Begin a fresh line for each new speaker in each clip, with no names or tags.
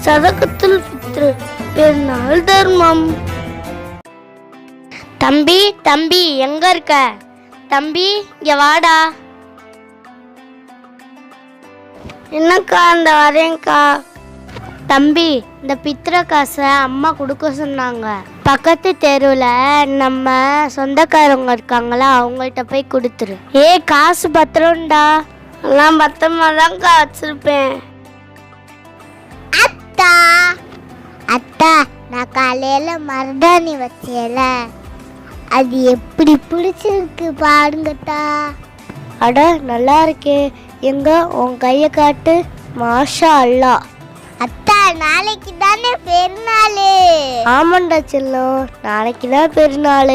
சதகத்துல் ஃபித்ர் பெருநாள் தர்மம். தம்பி தம்பி எங்க இருக்க? தம்பி இங்க வாடா. என்னக்கா? இந்த வரேன்க்கா. தம்பி, இந்த பித்திர காசை அம்மா கொடுக்க சொன்னாங்க. பக்கத்து தெருவில் நம்ம சொந்தக்காரவங்க இருக்காங்களா, அவங்கள்ட்ட போய் கொடுத்துரு. காசு பத்திரம்டா. எல்லாம் பத்திரமா தான்க்கா வச்சிருப்பேன்.
அத்தா அத்தா, நான் காலையில மருதாணி வச்சேல, அது எப்படி பிடிச்சிருக்கு பாருங்கத்தா.
அட நல்லா இருக்கே. எங்க உன் கையை காட்டு. மாஷா அல்லா.
அத்தா, நாளைக்கு தானே பெருநாள்.
ஆமாண்டா செல்லம், நாளைக்கு தான் பெருநாள்.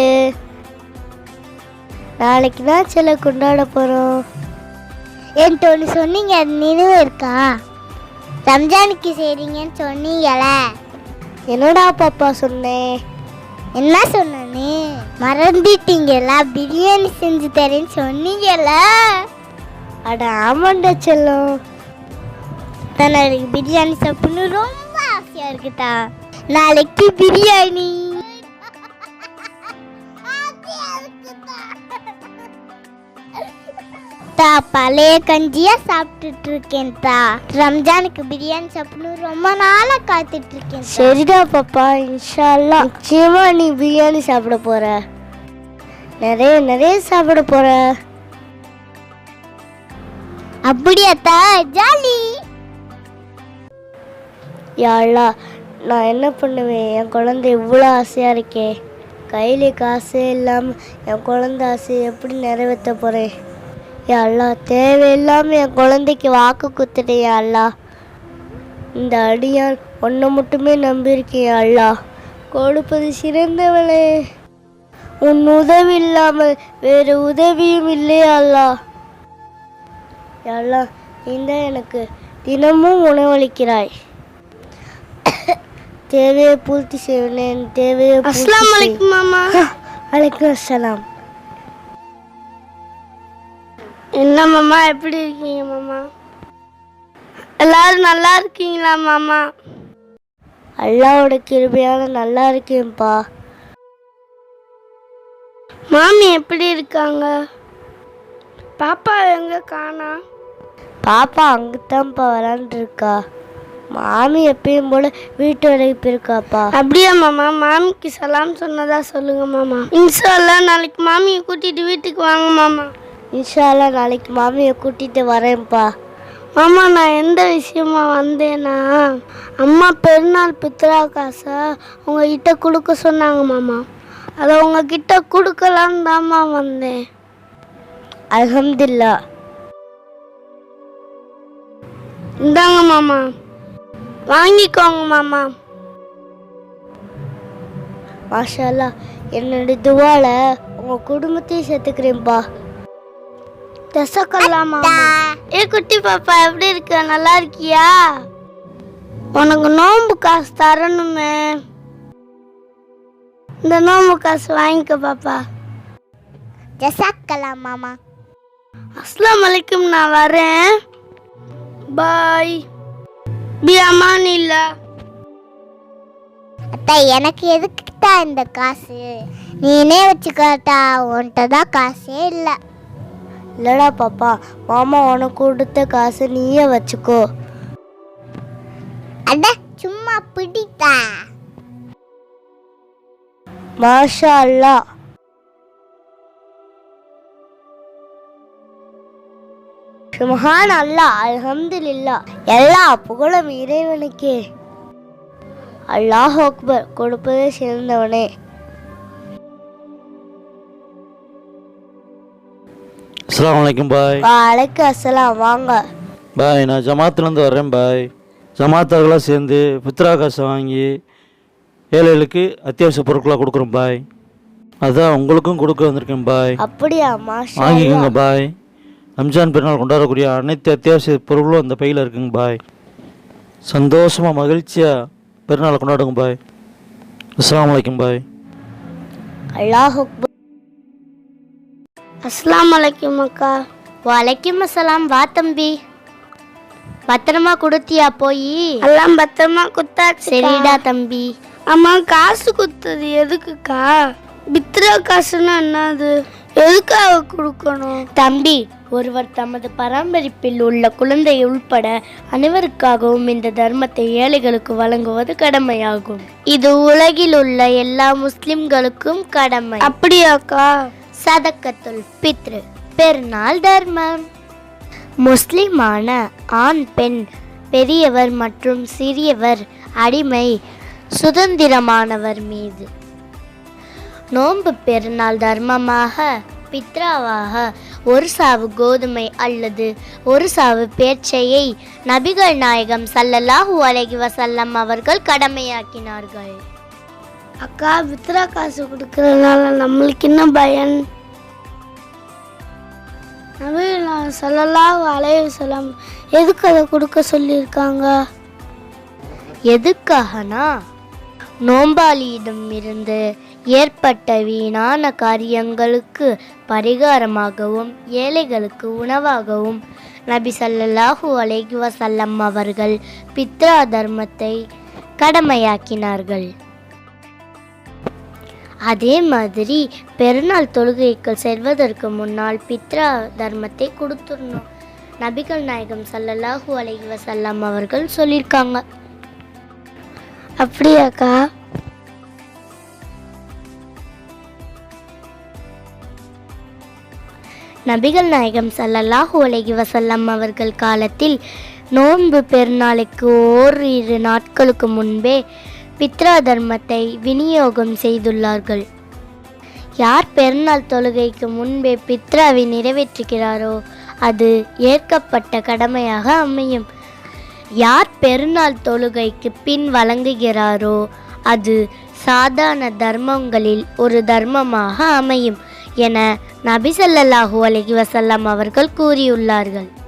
நாளைக்கு தான் செல்ல கொண்டாட போறோம்.
என்கிட்ட ஒன்று சொன்னீங்க, அது நினைவு இருக்கா? ரம்ஜானுக்கு செய்றீங்கன்னு சொன்னீங்கள.
என்னடா பாப்பா சொன்னேன்?
என்ன சொன்னே? மறந்துட்டீங்களா? பிரியாணி செஞ்சு தரேன்னு சொன்னீங்கள.
அட ஆமாண்டா செல்லம்.
நாளைக்கு பிரியாணி சாப்பிடணும் ரொம்ப ஆசையா இருக்குதா. நாளைக்கு பிரியாணி. பழைய கஞ்சியா சாப்பிட்டுட்டு இருக்கேன். ரம்ஜானுக்கு பிரியாணி சாப்பிடணும் ரொம்ப நாளா காத்துட்டு இருக்கேன்.
சரிடா பாப்பா, இன்ஷா அல்லாஹ் நிச்சயமா நீ பிரியாணி சாப்பிட போற. நிறைய நிறைய சாப்பிட போற.
அப்படியாத்தா? ஜாலி.
யா அல்லாஹ், நான் என்ன பண்ணுவேன்? என் குழந்தை இவ்வளோ ஆசையா இருக்கே. கையில காசே இல்லாமல் என் குழந்தை ஆசையை எப்படி நிறைவேற்ற போறேன்? யா அல்லாஹ், தேவையில்லாமல் என் குழந்தைக்கு வாக்கு குத்துட்டேன். யா அல்லாஹ், இந்த அடியான் ஒன்றை மட்டுமே நம்பியிருக்கேன். யா அல்லாஹ், கொடுப்பது சிறந்தவளே, உன் உதவி இல்லாமல் வேறு உதவியும் இல்லையா அல்லாஹ். யா அல்லாஹ், நீ எனக்கு தினமும் உணவளிக்கிறாய். தேவையை பூர்த்தி செய்வேன். தேவையை. அஸ்ஸலாமு அலைக்கும் மாமா. அலைக்கும் அஸ்ஸலாம். என்ன மாமா, எப்படி இருக்கீங்க மாமா? எல்லாரும் நல்லா இருக்கீங்களா மாமா? அல்லாஹ்வோட கிருபையால நல்லா இருக்கேன்ப்பா. மாமி எப்படி இருக்காங்க? பாப்பா எங்க காணா? பாப்பா அங்கத்தான்ப்பா விளாண்டு இருக்கா. மாமி எப்பயும் போல வீட்டு வேலைக்கு போயிருக்காப்பா. அப்படியா மாமா? மாமிக்கு சலாம் சொன்னதா சொல்லுங்க மாமா. இன்ஷா அல்லாஹ் நாளைக்கு மாமியை கூட்டிட்டு வீட்டுக்கு வாங்க மாமா. இன்ஷா அல்லாஹ் நாளைக்கு மாமியை கூட்டிட்டு வரேன்ப்பா. மாமா, நான் எந்த விஷயமா வந்தேன்னா, அம்மா பெருநாள் பித்ரா காசை உங்ககிட்ட கொடுக்க சொன்னாங்க மாமா. அதை உங்ககிட்ட கொடுக்கலான்னு தாம்மா வந்தேன். அல்ஹம்துலில்லாஹ். இந்தாங்க மாமா, வாங்கிக்கோங்க மாமா. மாஷா அல்லாஹ், என்னோட துவால உங்க குடும்பத்தையும் சேர்த்துக்கிறேன்ப்பா. தசக்கலாம் மாமா. குட்டி பாப்பா எப்படி இருக்க? நல்லா இருக்கியா? உனக்கு நோம்பு காசு தரணுமே. இந்த நோம்பு காசு வாங்கிக்க பாப்பா.
ஜஸாக்கலாம் மாமா.
அஸ்ஸலாமு அலைக்கும், நான் வரேன். பாய். பி அமானில்லா.
அத்தா, எனக்கு எதுக்குட்டா இந்த காசு? நீனே வச்சுக்காட்டா, உன்கிட்ட தான் காசே இல்லை.
இல்லடா பாப்பா, மாமா உனக்கு கொடுத்த காசு நீயே வச்சுக்கோ.
அட சும்மா பிடித்தா.
மாஷா அல்லாஹ். சுப்ஹான் அல்லாஹ், அல்ஹம்துலில்லாஹ். எல்லா புகழும் இறைவனுக்கே. அல்லாஹ் அக்பர். கொடுப்பதே சிறந்தவனே.
அஸ்ஸலாமு அலைக்கும் பாய்.
வலைக்கும் அஸ்ஸலாம். வாங்க
பாய், நான் ஜமாத்துலேருந்து வர்றேன் பாய். ஜமாத்தார்களாக சேர்ந்து பித்ரா காசை வாங்கி ஏழைகளுக்கு அத்தியாவசிய பொருட்களாக கொடுக்குறோம் பாய். அதான் உங்களுக்கும் கொடுக்க வந்திருக்கேன் பாய்.
அப்படியா? மாஷா
வாங்கிக்கோங்க பாய். ரம்ஜான் பெருநாள் கொண்டாடக்கூடிய அனைத்து அத்தியாவசிய பொருட்களும் அந்த பையில் இருக்குங்க பாய். சந்தோஷமாக மகிழ்ச்சியாக பெருநாளை கொண்டாடுங்க பாய். அஸ்ஸலாமு அலைக்கும் பாய்.
அல்லாஹ் அக்பர். அஸ்ஸலாமு அலைக்கும் அக்கா. வலைக்கும் அஸ்ஸலாம். வா தம்பி.
பத்திரமா கொடுத்தியா போய்?
எல்லாம் பத்திரமா குத்தாச்சு.
சரிடா தம்பி.
அம்மா, காசு குத்துது எதுக்குக்கா? பித்ரா காசுன்னா என்னது? எதுக்காக கொடுக்கணும்?
தம்பி, ஒருவர் தமது பராமரிப்பில் உள்ள குழந்தை உள்பட அனைவருக்காகவும் இந்த தர்மத்தை ஏழைகளுக்கு வழங்குவது கடமையாகும். இது உலகில் உள்ள எல்லா முஸ்லிம்களுக்கும் கடமை.
அப்படியாக்கா?
சதக்கத்துல் பித்ரு பெருநாள் தர்மம். முஸ்லிமான ஆண், பெண், பெரியவர் மற்றும் சிறியவர், அடிமை, சுதந்திரமானவர் மீது நோன்பு பெருநாள் தர்மமாக பித்ராவாக ஒரு சாவு கோதுமை அல்லது ஒரு சாவு பேச்சையை நபிகள் நாயகம் ஸல்லல்லாஹு அலைஹி வஸல்லம் அவர்கள் கடமையாக்கினார்கள்.
அக்கா, பித்ரா காசு கொடுக்கறதுனால நம்மளுக்கு என்ன பயன்? நபிகள் ஸல்லல்லாஹு அலைஹி வஸல்லம் எதுக்கு அதை கொடுக்க சொல்லியிருக்காங்க?
எதுக்காகனா, நோம்பாளியிடம் இருந்து ஏற்பட்ட வீணான காரியங்களுக்கு பரிகாரமாகவும் ஏழைகளுக்கு உணவாகவும் நபி ஸல்லல்லாஹு அலைஹி வஸல்லம் அவர்கள் பித்ரா தர்மத்தை கடமையாக்கினார்கள். அதே மாதிரி பெருநாள் தொழுகைக்கு செல்வதற்கு முன்னால் பித்ரா தர்மத்தை கொடுத்துடணும். நபிகள் நாயகம் ஸல்லல்லாஹு அலைஹி வஸல்லம் அவர்கள் சொல்லியிருக்காங்க.
அப்படியாக்கா?
நபிகள் நாயகம் ஸல்லல்லாஹு அலைஹி வஸல்லம் அவர்கள் காலத்தில் நோன்பு பெருநாளுக்கு ஓரிரு நாட்களுக்கு முன்பே பித்ரா தர்மத்தை விநியோகம் செய்துள்ளார்கள். யார் பெருநாள் தொழுகைக்கு முன்பே பித்ராவை நிறைவேற்றுகிறாரோ அது ஏற்கப்பட்ட கடமையாக அமையும். யார் பெருநாள் தொழுகைக்கு பின் வழங்குகிறாரோ அது சாதாரண தர்மங்களில் ஒரு தர்மமாக அமையும் என நபி ஸல்லல்லாஹு அலைஹி வஸல்லம் அவர்கள் கூறியுள்ளார்கள்.